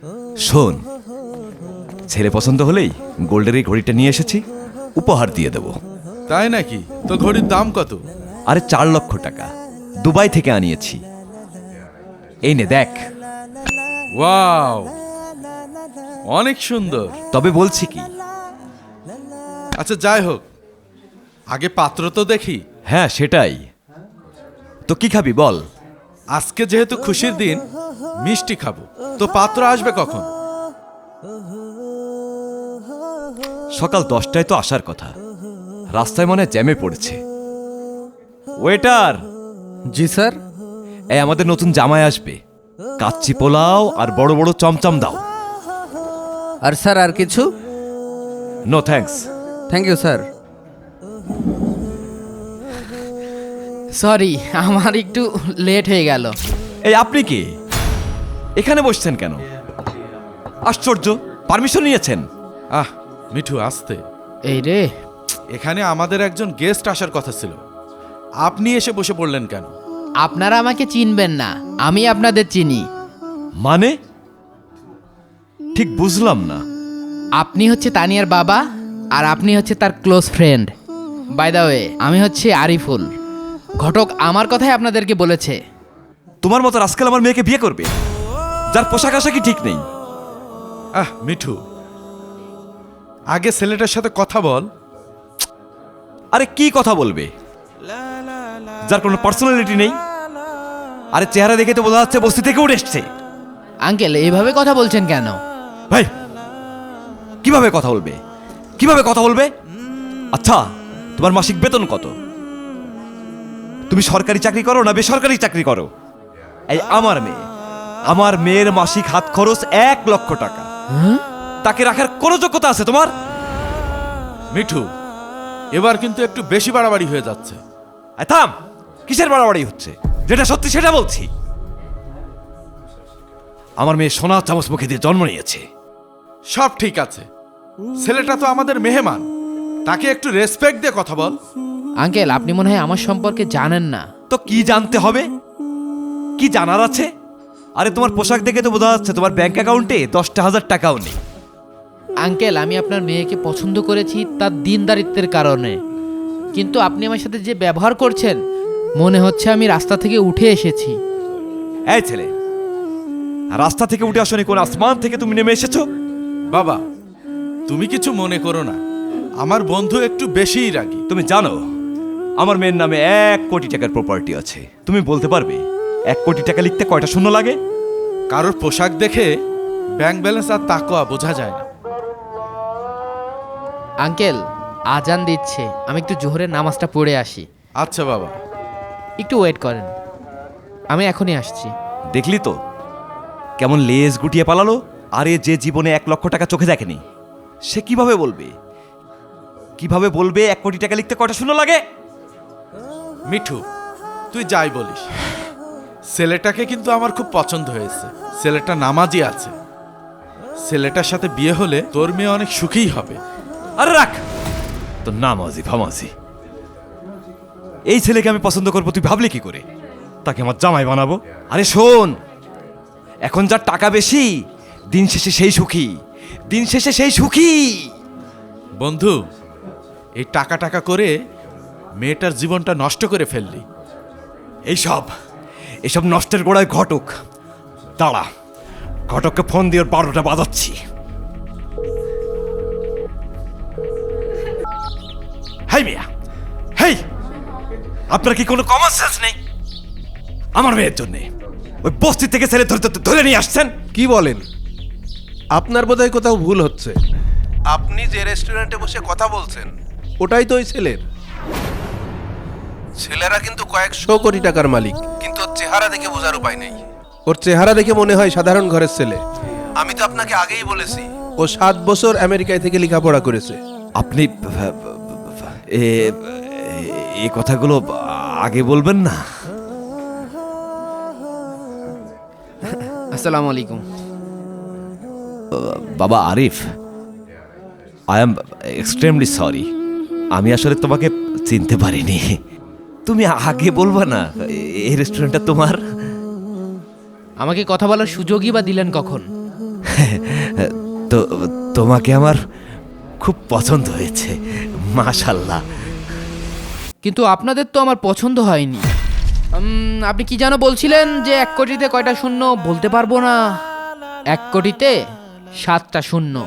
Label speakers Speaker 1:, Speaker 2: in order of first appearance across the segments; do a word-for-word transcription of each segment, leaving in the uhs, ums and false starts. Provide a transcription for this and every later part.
Speaker 1: শোন, ছেলে পছন্দ হলেই গোল্ডের এই ঘড়িটা নিয়ে এসেছি, উপহার দিয়ে দেব।
Speaker 2: তাই নাকি? তো ঘড়ির দাম কত?
Speaker 1: আরে চার লক্ষ টাকা, দুবাই থেকে আনিয়েছি। এই নে দেখ।
Speaker 2: ওয়াও, অনেক সুন্দর।
Speaker 1: তবে বলছি কি,
Speaker 2: আচ্ছা যাই হোক, আগে পাত্র তো দেখি।
Speaker 1: হ্যাঁ সেটাই তো। কি খাবি বল?
Speaker 2: আজকে যেহেতু খুশির দিন, মিষ্টি খাবো। তো পাত্র আসবে কখন?
Speaker 1: সকাল দশটায় তো আসার কথা, রাস্তায় মনে হয় জ্যামে পড়েছে। ওয়েটার!
Speaker 3: জি স্যার।
Speaker 1: এই আমাদের নতুন জামাই আসবে, কাচ্চি পোলাও আর বড় বড় চমচম দাও।
Speaker 3: আর স্যার আর কিছু?
Speaker 1: No thanks.
Speaker 3: Thank you sir.
Speaker 4: Sorry, আমার একটু লেট হয়ে গেল।
Speaker 1: এই আপনি কি এখানে বসছেন কেন? আশ্চর্য, পারমিশন নিয়েছেন?
Speaker 2: আহ মিঠু, আসতে।
Speaker 4: এই রে,
Speaker 2: এখানে আমাদের একজন গেস্ট আসার কথা ছিল, আপনি এসে বসে পড়লেন কেন?
Speaker 4: আপনারা আমাকে চিনবেন না, আমি আপনাদের চিনি।
Speaker 1: মানে ঠিক বুঝলাম না।
Speaker 4: আপনি হচ্ছে তানিয়ার বাবা, আর আপনি হচ্ছে তার close friend. By the way, আমি হচ্ছে আরিফুল। ঘটক আমার কথাই আপনাদেরকে বলেছে।
Speaker 1: তোমার মতো আজকাল আমার মেয়েকে বিয়ে করবে, যার পোশাক আশাকই ঠিক নেই।
Speaker 2: আহ মিঠু, আগে ছেলেটার সাথে কথা বল।
Speaker 1: আরে কি কথা বলবে, যার কোনো পার্সোনালিটি নেই? আরে চেহারা দেখে তো বোঝা যাচ্ছে বস্তি থেকে উঠে এসছে।
Speaker 4: আঙ্কেল, এইভাবে কথা বলছেন কেন?
Speaker 1: ভাই, কিভাবে কথা বলবে? কিভাবে কথা বলবে? আচ্ছা, তোমার মাসিক বেতন কত? তুমি সরকারি চাকরি করো না বেসরকারি চাকরি করো? এই আমার মেয়ে, আমার মেয়ের মাসিক হাত খরচ এক লক্ষ টাকা। তাকে রাখার কোনো যোগ্যতা আছে তোমার?
Speaker 2: মিঠু, এবার কিন্তু একটু বেশি বাড়াবাড়ি হয়ে যাচ্ছে।
Speaker 1: এই থাম, কিসের বাড়াবাড়ি হচ্ছে? যেটা সত্যি সেটা বলছি। আমার মেয়ে সোনা চামচ মুখে দিয়ে জন্ম নিয়েছে।
Speaker 2: সব ঠিক আছে, ছেলেটা তো আমাদের মেহমান, তাকে একটু রেসপেক্ট দিয়ে কথা বল।
Speaker 4: আঙ্কেল, আপনি মনে হয় আমার সম্পর্কে জানেন না।
Speaker 1: তো কি জানতে হবে? কি জানার আছে? আরে তোমার পোশাক দেখে তো বোঝা যাচ্ছে তোমার ব্যাংক অ্যাকাউন্টে দশটা হাজার টাকাও নেই।
Speaker 4: আঙ্কেল, আমি আপনার মেয়েকে পছন্দ করেছি তার দিনদারিত্বের কারণে, কিন্তু আপনি আমার সাথে যে ব্যবহার করছেন, মনে হচ্ছে আমি রাস্তা থেকে উঠে এসেছি।
Speaker 1: এই ছেলে, রাস্তা থেকে উঠে আসনি, কোন আসমান থেকে তুমি নেমে এসেছো?
Speaker 2: বাবা, তুমি কিছু মনে করো না, আমার বন্ধু একটু বেশিই রাগী।
Speaker 1: তুমি জানো আমার মেয়ের নামে এক কোটি টাকার প্রপার্টি আছে। তুমি বলতে পারবে এক কোটি টাকা লিখতে কয়টা শূন্য লাগে?
Speaker 2: কারোর পোশাক দেখে ব্যাংক ব্যালেন্স আর তাকওয়া বোঝা যায় না।
Speaker 4: আঙ্কেল, আজান দিচ্ছে, আমি একটু জোহরের নামাজটা পড়ে আসি।
Speaker 2: আচ্ছা বাবা।
Speaker 4: একটু ওয়েট করেন, আমি এখনই আসছি।
Speaker 1: দেখলি তো কেমন লেজ গুটিয়ে পালালো। আরে যে জীবনে এক লক্ষ টাকা চোখে দেখেনি, সে কিভাবে বলবে কিভাবে বলবে এক কোটি টাকা লিখতে কয়টা শূন্য লাগে?
Speaker 2: মিঠু, তুই যাই বলিস, ছেলেটাকে কিন্তু আমার খুব পছন্দ হয়েছে। ছেলেটা নামাজি আছে, ছেলেটার সাথে বিয়ে হলে তোর মেয়ে অনেক সুখীই হবে।
Speaker 1: আরে রাখ তো, নামাজি ফামাজি। এই ছেলেকে আমি পছন্দ করবো তুই ভাবলি কি করে? তাকে আমার জামাই বানাবো? আরে শোন, এখন যার টাকা বেশি দিন শেষে সেই সুখী, দিন শেষে সেই সুখী।
Speaker 2: বন্ধু, এই টাকা টাকা করে মেয়েটার জীবনটা নষ্ট করে ফেললি।
Speaker 1: এইসব এইসব নষ্টের গোড়ায় ঘটক। দাঁড়া, ঘটককে ফোন দিয়ে ওর বারোটা বাজাচ্ছি। হেই মিয়া, হেই, আপনার কি কোনো কমন সেন্স নেই? আমার মেয়ের জন্যে ওই বস্তি থেকে ছেলে ধরে ধরে- ধরে নিয়ে আসছেন।
Speaker 5: কি বলেন? আপনার বোধহয় কোথাও ভুল হচ্ছে। আপনি যে রেস্টুরেন্টে বসে কথা বলছেন, ওটাই তো ওই ছেলের। ছেলেরা কিন্তু কয়েকশো কোটি টাকার মালিক, কিন্তু ওর চেহারা দেখে বোঝার উপায় নেই। ওর চেহারা দেখে মনে হয় সাধারণ ঘরের ছেলে। আমি তো আপনাকে আগেই বলেছি, ও সাত বছর আমেরিকায় থেকে লেখাপড়া করেছে।
Speaker 1: আপনি এ এই কথাগুলো আগে বলবেন না?
Speaker 4: আসসালামু আলাইকুম।
Speaker 1: বাবা Arif, I am extremely sorry. আমি আসলে তোমাকে চিনতে পারিনি। তুমি আগে বলবা না এই রেস্টুরেন্টটা তোমার?
Speaker 4: আমাকে কথা বলার সুযোগই বা দিলেন কখন?
Speaker 1: তো তোমাকে আমার খুব পছন্দ হয়েছে, মাশাল্লাহ।
Speaker 4: কিন্তু আপনাদের তো আমার পছন্দ হয়নি। উম, আপনি কি যেন বলছিলেন যে এক কোটিতে কয়টা শূন্য বলতে পারবো না। এক কোটিতে সাতটা শূন্য।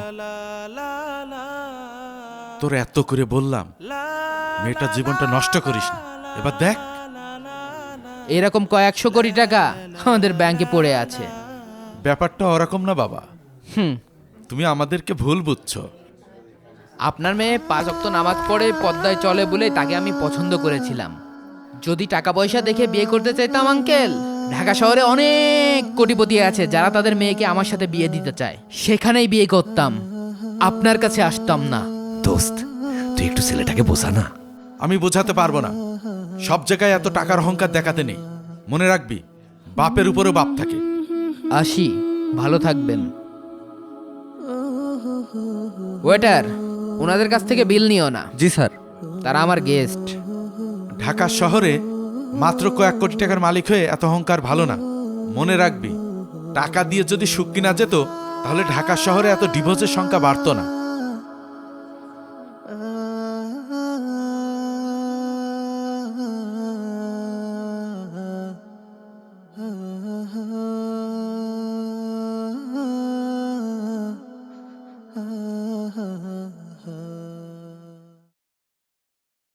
Speaker 2: তোর এত করে বললাম মেয়েটার জীবনটা নষ্ট করিস না, এবার দেখ।
Speaker 4: এরকম কয়েকশো কোটি টাকা আমাদের ব্যাংকে পড়ে আছে।
Speaker 2: ব্যাপারটা ওরকম না বাবা,
Speaker 4: হুম,
Speaker 2: তুমি আমাদেরকে ভুল বুঝছো।
Speaker 4: আপনার মেয়ে পাঁচ ওয়াক্ত নামাজ পড়ে পদ্মায় চলে বলে তাকে আমি পছন্দ করেছিলাম। যদি টাকা পয়সা দেখে বিয়ে করতে চাইতাম আঙ্কেল, ঢাকা শহরে অনেক কোটিপতি আছে যারা তাদের মেয়েকে আমার সাথে বিয়ে দিতে চায়, সেখানেই বিয়ে করতাম, আপনার কাছে আসতাম না।
Speaker 1: দোস্ত, তুই একটু ছেলেটাকে বোঝা না।
Speaker 2: আমি বোঝাতে পারবো না, সব জায়গায় এত টাকার অহংকার দেখাতে নেই। মনে রাখবি, বাপের উপরেও বাপ থাকে।
Speaker 4: আসি, ভালো থাকবেন। ওয়েটার, ওনাদের কাছ থেকে বিল নিও না,
Speaker 3: জি স্যার।
Speaker 2: তারা আমার গেস্ট। ঢাকা শহরে মাত্র কয়েক কোটি টাকার মালিক হয়ে এত অহংকার ভালো না। মনে রাখবি, টাকা দিয়ে যদি সুখ কিনা যেত তাহলে ঢাকা শহরে এত ডিভোর্সের সংখ্যা বাড়তো না।
Speaker 6: ah